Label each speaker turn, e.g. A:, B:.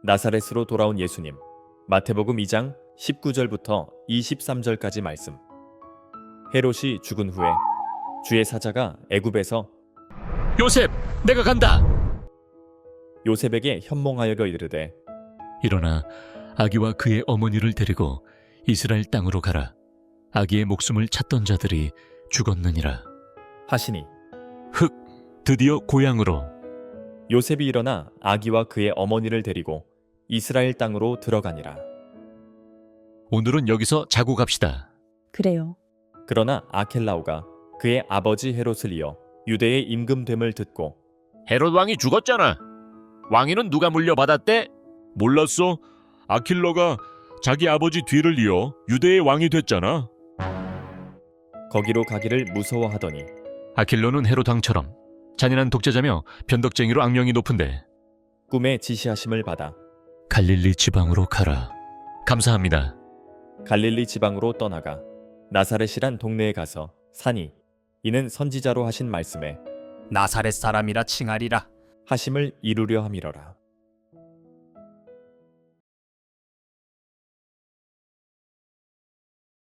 A: 나사렛으로 돌아온 예수님. 마태복음 2장 19절부터 23절까지 말씀. 헤롯이 죽은 후에 주의 사자가 애굽에서
B: 요셉, 내가 간다.
A: 요셉에게 현몽하여 이르되
B: 일어나 아기와 그의 어머니를 데리고 이스라엘 땅으로 가라. 아기의 목숨을 찾던 자들이 죽었느니라.
A: 하시니
B: 흑, 드디어 고향으로.
A: 요셉이 일어나 아기와 그의 어머니를 데리고 이스라엘 땅으로 들어가니라.
B: 오늘은 여기서 자고 갑시다.
C: 그래요.
A: 그러나 아켈라오가 그의 아버지 헤롯을 이어 유대의 임금됨을 듣고
B: 헤롯 왕이 죽었잖아. 왕위는 누가 물려받았대? 몰랐어. 아킬러가 자기 아버지 뒤를 이어 유대의 왕이 됐잖아.
A: 거기로 가기를 무서워하더니
B: 아킬러는 헤롯 왕처럼 잔인한 독재자며 변덕쟁이로 악명이 높은데
A: 꿈에 지시하심을 받아
B: 갈릴리 지방으로 가라. 감사합니다.
A: 갈릴리 지방으로 떠나가 나사렛이란 동네에 가서 사니 이는 선지자로 하신 말씀에
D: 나사렛 사람이라 칭하리라.
A: 하심을 이루려 함이러라.